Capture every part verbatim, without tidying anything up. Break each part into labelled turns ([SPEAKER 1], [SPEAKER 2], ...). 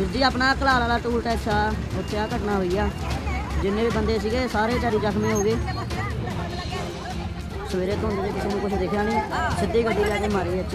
[SPEAKER 1] ਵੀਰ ਜੀ ਆਪਣਾ ਘਲਾਲ ਵਾਲਾ ਟੂਲ ਟੈਕਸ ਆ, ਉੱਥੇ ਆ ਘਟਨਾ ਹੋਈ ਆ। ਜਿੰਨੇ ਵੀ ਬੰਦੇ ਸੀਗੇ ਸਾਰੇ ਵਿਚਾਰੇ ਜ਼ਖਮੀ ਹੋ ਗਏ। ਸਵੇਰੇ ਧੁੰਦ ਦੇ ਕਿਸੇ ਨੂੰ ਕੁਝ ਦਿਖਿਆ ਨਹੀਂ, ਸਿੱਧੀ ਗੱਡੀ ਲੈ ਕੇ ਮਾਰੀ ਇੱਥੇ।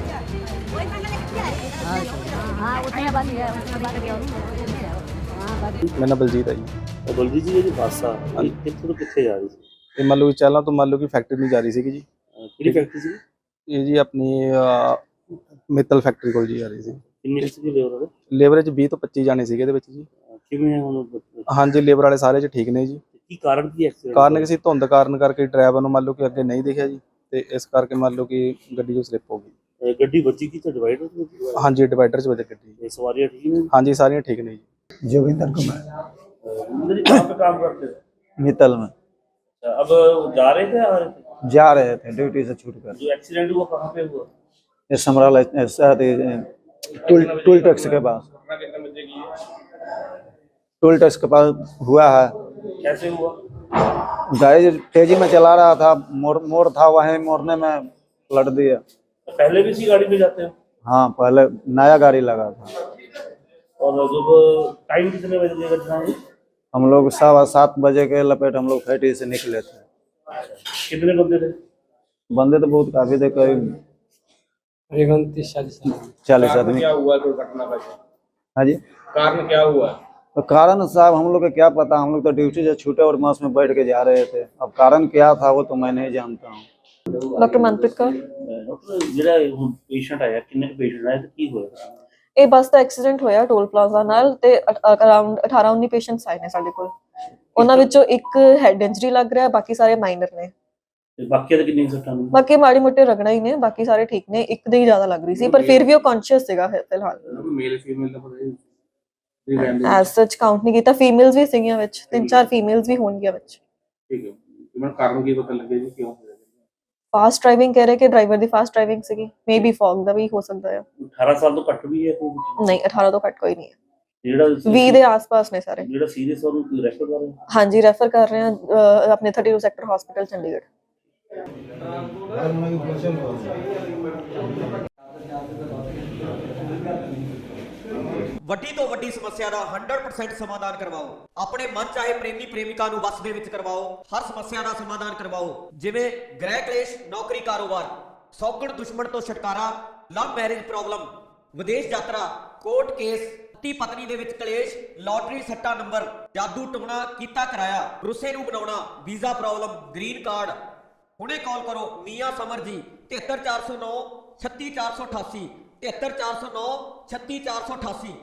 [SPEAKER 1] ਹਾਂ ਉੱਥੇ ਬੰਦ ਗਿਆ, ਉੱਥੇ ਬੰਦ ਗਿਆ।
[SPEAKER 2] ਮੇਰਾ ਨਾਮ ਬਲਜੀਤ ਹੈ ਜੀ।
[SPEAKER 3] ਬਲਜੀਤ ਜੀ, ਜਿਹੜੀ ਬੱਸ ਆ ਇਹ ਕਿੱਥੋਂ ਤੋਂ ਕਿੱਥੇ ਜਾ ਰਹੀ ਸੀ?
[SPEAKER 2] ਇਹ ਮੰਨ ਲਓ ਚਾਲਾਂ ਤੋਂ ਮੰਨ ਲਓ ਕਿ ਫੈਕਟਰੀ ਨੂੰ ਜਾ ਰਹੀ ਸੀਗੀ ਜੀ।
[SPEAKER 3] ਕਿਹੜੀ ਫੈਕਟਰੀ ਸੀ?
[SPEAKER 2] ਇਹ ਜੀ ਆਪਣੀ ਮਿੱਤਲ ਫੈਕਟਰੀ ਕੋਲ ਜੀ ਆ ਰਹੀ ਸੀ।
[SPEAKER 3] ਕਿੰਨੇ ਸੀ ਲੇਬਰ?
[SPEAKER 2] ਲੇਬਰ 'ਚ ਵੀਹ ਤੋਂ ਪੱਚੀ ਜਾਣੇ ਸੀਗੇ ਇਹਦੇ ਵਿੱਚ ਜੀ।
[SPEAKER 3] ਕਿਵੇਂ ਹੈ ਹੁਣ?
[SPEAKER 2] ਹਾਂਜੀ ਲੇਬਰ ਵਾਲੇ ਸਾਰੇ 'ਚ ਠੀਕ ਨੇ ਜੀ।
[SPEAKER 3] ਕੀ ਕਾਰਨ ਕੀ ਐਕਸੀਡੈਂਟ?
[SPEAKER 2] ਕਾਰਨ ਕਿਸੇ ਧੁੰਦ ਕਾਰਨ ਕਰਕੇ ਡਰਾਈਵਰ ਨੂੰ ਮੰਨ ਲਓ ਕਿ ਅੱਗੇ ਨਹੀਂ ਦਿਖਿਆ ਜੀ, ਤੇ ਇਸ ਕਰਕੇ ਮੰਨ ਲਓ ਕਿ ਗੱਡੀ ਜੋ ਸਲਿੱਪ ਹੋ ਗਈ।
[SPEAKER 3] ਗੱਡੀ ਵੱਜੀ ਕੀ ਤੇ ਡਿਵਾਈਡਰ?
[SPEAKER 2] ਹਾਂਜੀ ਡਿਵਾਈਡਰ 'ਚ ਵੱਜੀ ਗੱਡੀ।
[SPEAKER 3] ਇਹ ਸਵਾਰੀਆਂ ਠੀਕ ਨੇ?
[SPEAKER 2] ਹਾਂਜੀ ਸਾਰੀਆਂ ठीक नहीं जी।
[SPEAKER 4] जोगिंदर कुमार
[SPEAKER 3] कहाँ पे काम करते थे?
[SPEAKER 4] मित्तल में
[SPEAKER 3] अब जा रहे थे आ रहे थे?
[SPEAKER 4] जा रहे थे ड्यूटी से छूट कर।
[SPEAKER 3] जो एक्सीडेंट हुआ कहाँ पे हुआ?
[SPEAKER 4] ये समराला टूल टूल टैक्स के पास, टूल टैक्स के पास हुआ है।
[SPEAKER 3] कैसे हुआ?
[SPEAKER 4] गाड़ी तेजी में चला रहा था, मोड़ मोड़ था, वहीं मोड़ने में पलट दिया।
[SPEAKER 3] तो पहले भी इसी गाड़ी में जाते हो?
[SPEAKER 4] हाँ पहले नया गाड़ी लगा था।
[SPEAKER 3] और जब टाइम कितने बजे की घटना हुई?
[SPEAKER 4] हम लोग सवा सात बजे के लपेट हम लोग फैक्ट्री से निकले थे।
[SPEAKER 3] कितने बंदे थे?
[SPEAKER 4] बंदे तो बहुत काफी थे, करीब चालीस आदमी।
[SPEAKER 5] क्या हुआ दुर्घटना का?
[SPEAKER 4] हाँ जी
[SPEAKER 5] कारण क्या हुआ?
[SPEAKER 4] तो कारण साहब हम लोग को क्या पता, हम लोग तो ड्यूटी से छूटे और बस में बैठ के जा रहे थे। अब कारण क्या था वो तो मैं नहीं जानता हूँ।
[SPEAKER 6] डॉक्टर मनप्रीत कौर।
[SPEAKER 3] डॉक्टर ਜਿਹੜਾ ਹੁਣ ਪੇਸ਼ੈਂਟ ਆਇਆ, ਕਿੰਨੇ ਪੇਸ਼ੈਂਟ ਆਏ ਤੇ ਕੀ ਹੋਇਆ?
[SPEAKER 6] ਇਹ ਬੱਸ ਦਾ ਐਕਸੀਡੈਂਟ ਹੋਇਆ ਟੋਲ ਪਲਾਜ਼ਾ ਨਾਲ, ਤੇ ਅਰਾਊਂਡ ਅਠਾਰਾਂ ਉੱਨੀ ਪੇਸ਼ੈਂਟਸ ਆਏ ਨੇ ਸਾਡੇ ਕੋਲ। ਉਹਨਾਂ ਵਿੱਚੋਂ ਇੱਕ ਹੈਡ ਇੰਜਰੀ ਲੱਗ ਰਿਹਾ, ਬਾਕੀ ਸਾਰੇ ਮਾਈਨਰ ਨੇ।
[SPEAKER 3] ਤੇ ਬਾਕੀਆਂ ਦੇ ਕਿੰਨੇ ਸੱਟਾਂ ਨੇ?
[SPEAKER 6] ਬਾਕੀ ਮਾੜੀ ਮੋਟੇ ਰਗੜਾ ਹੀ ਨੇ, ਬਾਕੀ ਸਾਰੇ ਠੀਕ ਨੇ। ਇੱਕ ਦੇ ਹੀ ਜ਼ਿਆਦਾ ਲੱਗ ਰਹੀ ਸੀ, ਪਰ ਫਿਰ ਵੀ ਉਹ ਕੌਨਸ਼ੀਅਸ ਸੀਗਾ ਫਿਲਹਾਲ।
[SPEAKER 5] ਮੇਲ ਫੀਮੇਲ ਦਾ ਪਤਾ
[SPEAKER 6] ਐਜ਼ ਸੱਚ ਕਾਊਂਟ ਨਹੀਂ ਕੀਤਾ। ਫੀਮੇਲਸ ਵੀ ਸੀਗੀਆਂ ਵਿੱਚ, ਤਿੰਨ ਚਾਰ ਫੀਮੇਲਸ ਵੀ ਹੋਣਗੀਆਂ ਵਿੱਚ।
[SPEAKER 5] ਠੀਕ ਹੈ। ਮੈਨੂੰ ਕਾਰਨ ਕੀ ਪਤਾ ਲੱਗਿਆ ਜੀ, ਕਿਉਂ ਹੋਇਆ?
[SPEAKER 6] ਫਾਸਟ ਡਰਾਈਵਿੰਗ ਕਹਿ ਰਹੇ ਕਿ ਡਰਾਈਵਰ ਦੀ ਫਾਸਟ ਡਰਾਈਵਿੰਗ ਸੀਗੀ, ਮੇਬੀ ਫੌਗ ਦਾ ਵੀ ਹੋ ਸਕਦਾ ਹੈ।
[SPEAKER 3] ਅਠਾਰਾਂ ਸਾਲ ਤੋਂ ਘੱਟ ਵੀ ਹੈ ਕੋਈ?
[SPEAKER 6] ਨਹੀਂ ਅਠਾਰਾਂ ਤੋਂ ਘੱਟ ਕੋਈ ਨਹੀਂ ਹੈ।
[SPEAKER 3] ਜਿਹੜਾ
[SPEAKER 6] ਵੀਹ ਦੇ ਆਸ-ਪਾਸ ਨੇ ਸਾਰੇ।
[SPEAKER 3] ਜਿਹੜਾ ਸੀਰੀਅਸ ਉਹਨੂੰ ਕੋਈ ਰੈਫਰ ਕਰ ਰਹੇ?
[SPEAKER 6] ਹਾਂਜੀ ਰੈਫਰ ਕਰ ਰਹੇ ਹਾਂ ਆਪਣੇ thirty two sector hospital Chandigarh.
[SPEAKER 7] ਵੱਡੀ ਤੋਂ ਵੱਡੀ ਸਮੱਸਿਆ ਦਾ ਸੌ ਪਰਸੈਂਟ ਸਮਾਧਾਨ ਕਰਵਾਓ। ਆਪਣੇ ਮਨ ਚਾਹੇ ਪ੍ਰੇਮੀ ਪ੍ਰੇਮਿਕਾ ਨੂੰ ਵਸ ਦੇ ਵਿੱਚ ਕਰਵਾਓ। ਹਰ ਸਮੱਸਿਆ ਦਾ ਸਮਾਧਾਨ ਕਰਵਾਓ, ਜਿਵੇਂ ਗ੍ਰਹਿ ਕਲੇਸ਼, ਨੌਕਰੀ, ਕਾਰੋਬਾਰ, ਸੌਗਣ ਦੁਸ਼ਮਣ ਤੋਂ ਛੁਟਕਾਰਾ, ਲਵ ਮੈਰਿਜ ਪ੍ਰੋਬਲਮ, ਵਿਦੇਸ਼ ਯਾਤਰਾ, ਕੋਰਟ ਕੇਸ, ਪਤੀ ਪਤਨੀ ਦੇ ਵਿੱਚ ਕਲੇਸ਼, ਲਾਟਰੀ ਸੱਟਾ ਨੰਬਰ, ਜਾਦੂ ਟੂਣਾ ਕੀਤਾ ਕਰਾਇਆ, ਰੁੱਸੇ ਨੂੰ ਬਣਾਉਣਾ, ਵੀਜ਼ਾ ਪ੍ਰੋਬਲਮ, ਗ੍ਰੀਨ ਕਾਰਡ। ਹੁਣੇ ਕਾਲ ਕਰੋ ਮੀਆਂ ਸਮਰ ਜੀ, ਤਿਹੱਤਰ ਚਾਰ ਸੌ ਨੌ ਛੱਤੀ ਚਾਰ ਸੌ ਅਠਾਸੀ, ਤਿਹੱਤਰ ਚਾਰ ਸੌ ਨੌ ਛੱਤੀ ਚਾਰ ਸੌ ਅਠਾਸੀ।